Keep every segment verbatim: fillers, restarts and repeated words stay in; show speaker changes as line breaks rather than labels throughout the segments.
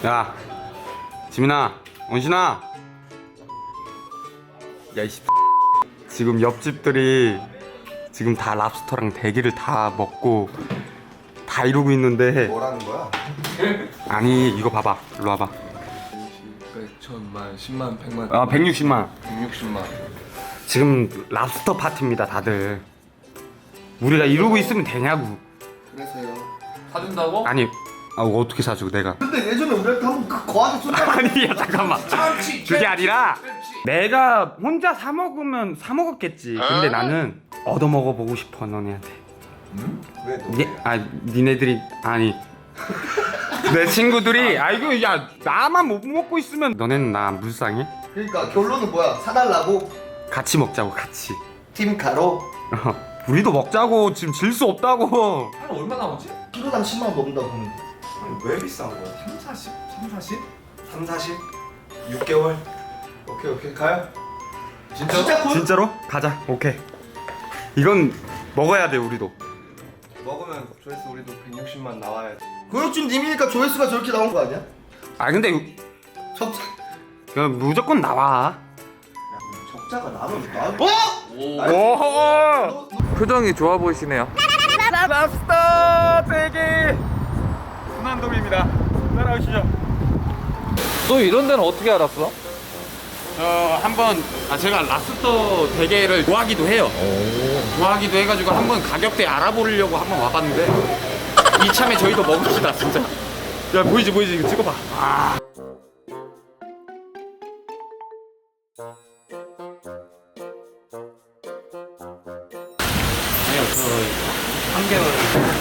야, 지민아, 원신아. 야, 이씨. 지금 옆집들이 지금 다 랍스터랑 대게를 다 먹고 다 이러고 있는데.
뭐라는 거야?
아니, 이거 봐봐. 일로 와봐.
천만, 십만, 백만.
아, 백육십만.
백육십만.
지금 랍스터 파티입니다, 다들. 우리가 이러고 있으면 되냐고.
그래서요.
사준다고?
아니, 아, 어떻게 사주고 내가.
근데 예전에 우리한테 한번 그 거하게 쏜다.
아니, 야, 잠깐만. 그게 아니라 내가 혼자 사 먹으면 사 먹었겠지. 근데 나는 얻어 먹어보고 싶어, 너네한테.
응? 왜 너?
예? 아, 니네들이 아니 내 친구들이 아 이거 야 나만 못 먹고 있으면 너네는 나 안 불쌍해?
그러니까 결론은 뭐야? 사달라고?
같이 먹자고 같이.
팀카로?
어, 우리도 먹자고. 지금 질 수 없다고.
한 얼마 나오지?
키로당 십만 원 넘는다고 보면 돼.
왜 비싼 거야? 삼, 사십? 삼, 사십?
삼, 사십? 육 개월? 오케이 오케이 가요.
진짜?
진짜 콜?
진짜로? 가자. 오케이. 이건 먹어야 돼 우리도.
먹으면 조회수 우리도 백육십만 나와야 돼. 고육준 님이니까 조회수가 저렇게 나온 거 아니야?
아 근데
적자.
그냥 무조건 나와.
적자가 나면 나. 어?
오.
표정이 좋아 보이시네요.
랍스터 대게 순환동입니다. 따라오시죠.
너 이런 데는 어떻게 알았어?
저 한번 아 제가 랍스터 대게를 좋아하기도 해요. 좋아하기도 해가지고 한번 가격대 알아보려고 한번 와봤는데 이참에 저희도 먹읍시다 진짜. 야 보이지 보이지 이거 찍어봐. 아. 아니요 저 삼 개월.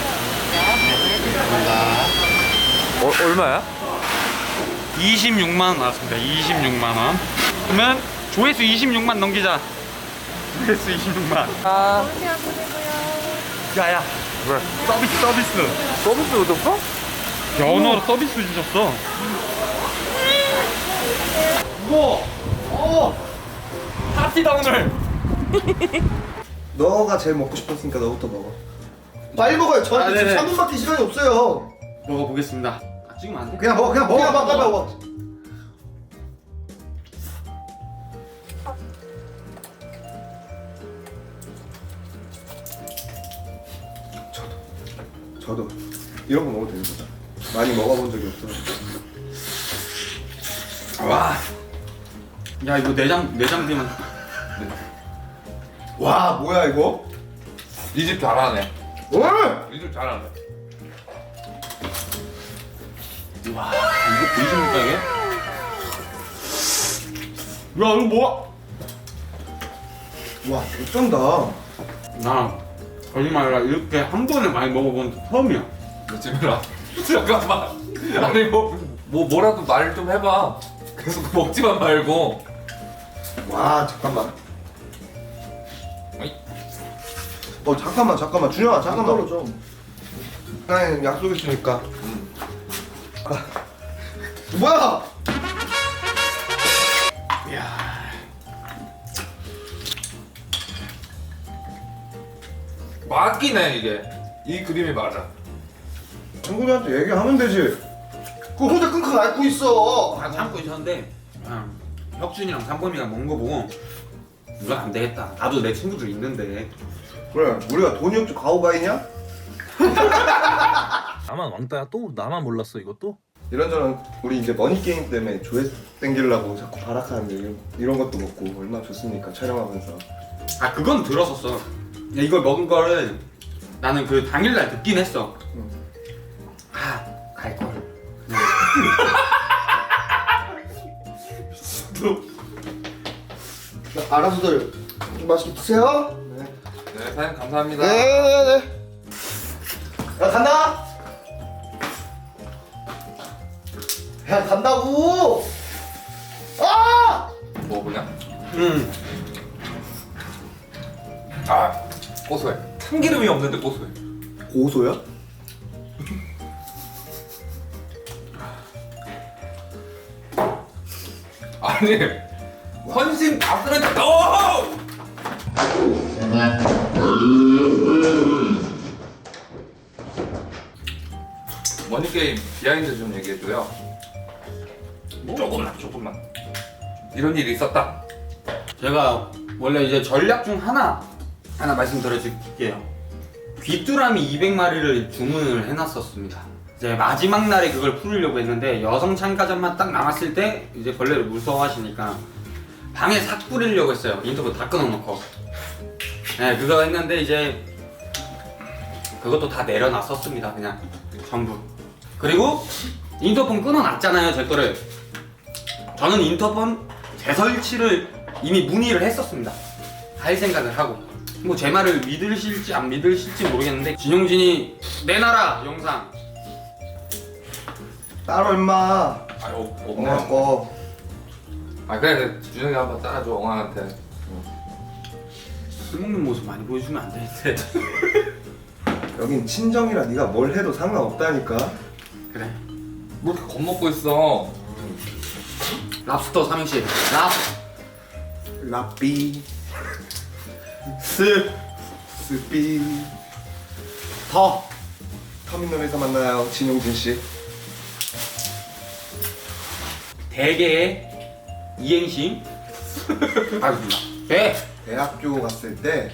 어, 얼마야?
이십육만 원 나왔습니다. 이십육만 원. 그러면 조회수 이십육만 넘기자. 조회수 이십육만.
아,
야야.
왜?
서비스 서비스.
서비스 줬어?
연어로 서비스 주셨어. 우와. 어. 파티다 오늘.
너가 제일 먹고 싶었으니까 너부터 먹어. 빨리 먹어요. 저한테
아,
지금
네네.
삼 분밖에 시간이 없어요.
먹어보겠습니다. 아, 찍으면 안 돼?
그냥 먹어, 그냥 먹어, 그냥 먹어, 빨리 먹어. 저도, 저도 이런 거 먹어도 됩니다. 많이 먹어본 적이 없어요.
와. 야 이거 내장 내장 되면.
와, 뭐야 이거?
이 집 잘하네.
왜?
이 집 잘하네.
와 이거 보이십니까 이게? 야 이거 뭐야?
와, 어쩐다.
나 거짓말이라 이렇게 한 번에 많이 먹어본 적 처음이야.
며칠이라? 잠깐만. 아니 뭐, 뭐 뭐라도 말 좀 해봐. 계속 먹지만 말고.
와, 잠깐만.
어이.
어, 잠깐만, 잠깐만, 준영아, 잠깐만. 떨어져. 아니, 약속 있으니까.
음.
아, 뭐야?
맞기네 이게. 이 그림이 맞아.
친구들한테 얘기하면 되지. 그거 혼자 끙끙 앓고 있어.
다 참고 있었는데 아, 혁준이랑 삼범이가 먹은 거 보고 이건 안 되겠다. 나도 내 친구들 있는데.
그래, 우리가 돈이 없지 가오가이냐?
나만 왕따야 또? 나만 몰랐어 이것도?
이런저런 우리 이제 머니 게임 때문에 조회수 땡기려고 자꾸 발악하는데 이런, 이런 것도 먹고 얼마나 좋습니까? 촬영하면서.
아 그건 들었었어. 야, 이걸 먹은 거를 나는 그 당일날 듣긴 했어.
응.
아 갈걸.
알아서들 좀 맛있게 드세요. 네.
네 사장님 감사합니다.
네네네. 야 간다. 야 간다고. 아!
먹어보냐?
응.
아 고소해. 참기름이 없는데 고소해.
고소야?
아니 헌신 다 쓰는데 너! 머니게임 비하인드 좀 얘기해줘요. 조금만 조금만 이런 일이 있었다.
제가 원래 이제 전략 중 하나 하나 말씀드려줄게요. 귀뚜라미 이백 마리를 주문을 해놨었습니다. 이제 마지막 날에 그걸 풀으려고 했는데 여성 참가자만 딱 남았을 때 이제 벌레를 무서워하시니까 방에 싹 뿌리려고 했어요. 인터뷰 다 끊어놓고. 네, 그거 했는데 이제 그것도 다 내려놨었습니다. 그냥 전부. 그리고 인터폰 끊어놨잖아요, 제 거를. 저는 인터폰 재설치를 이미 문의를 했었습니다. 할 생각을 하고. 뭐 제 말을 믿으실지 안 믿으실지 모르겠는데 진용진이 내놔라 영상.
따로 임마.
아 없,
엄마
없네.
거.
아 그래 준영이 한번 따라줘 엉아한테.
술 먹는 모습 많이 보여주면 안 되는데.
여긴 친정이라 네가 뭘 해도 상관없다니까.
그래.
뭐 이렇게 겁먹고 있어.
랍스터 삼행시. 랍.
라삐
스.
스삐.
더.
터미널에서 만나요, 진용진 씨.
대게의 이행시. 알겠습니다. 개.
대학교 갔을 때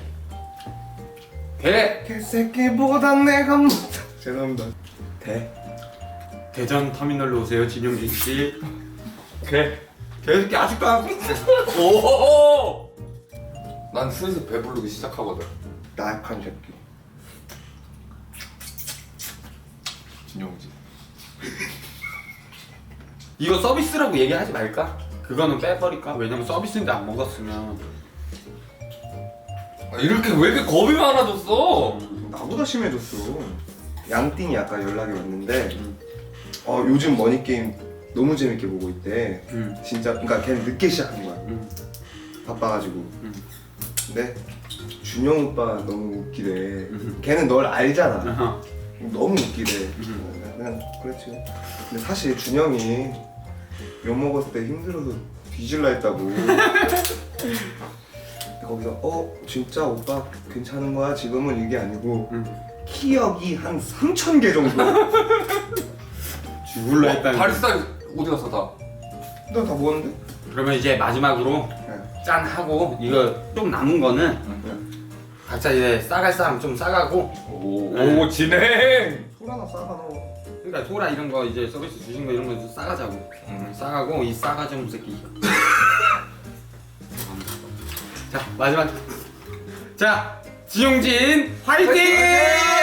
개.
개새끼보다 내가 못. 죄송합니다. 대.
대전 터미널로 오세요, 진용진 씨.
개.
개새끼 아직도 안. 오.
난 슬슬 배부르기 시작하거든.
나약한 새끼.
진영지.
이거 서비스라고 얘기하지 말까? 그거는 빼버릴까? 왜냐면 서비스인데 안 먹었으면.
아, 이렇게 왜 이렇게 겁이 많아졌어?
나보다 심해졌어. 양띵이 아까 연락이 왔는데 어 요즘 머니게임 너무 재밌게 보고 있대.
음.
진짜 그러니까 걔는 늦게 시작한 거야.
음.
바빠가지고.
음.
근데 준영 오빠 너무 웃기대.
음.
걔는 널 알잖아.
어허.
너무 웃기대.
음.
그냥 그렇지. 근데 사실 준영이 욕 먹었을 때 힘들어서 뒤질라 했다고. 근데 거기서 어 진짜 오빠 괜찮은 거야? 지금은 이게 아니고
음.
키역이 한 삼천 개 정도.
죽을라 했다는.
바리스타 어디 갔어 다?
너 다 먹었는데?
그러면 이제 마지막으로
네.
짠 하고 이거 좀 남은 거는 각자 이제 싸갈 사람 좀 싸가고.
오,
네.
오 진행.
소라 하나 싸가 넣어.
그러니까 소라 이런 거 이제 서비스 주신 거 이런 거 좀 싸가자고. 음, 싸가고 이 싸가지 없는 새끼. 자 마지막. 자 진용진 화이팅!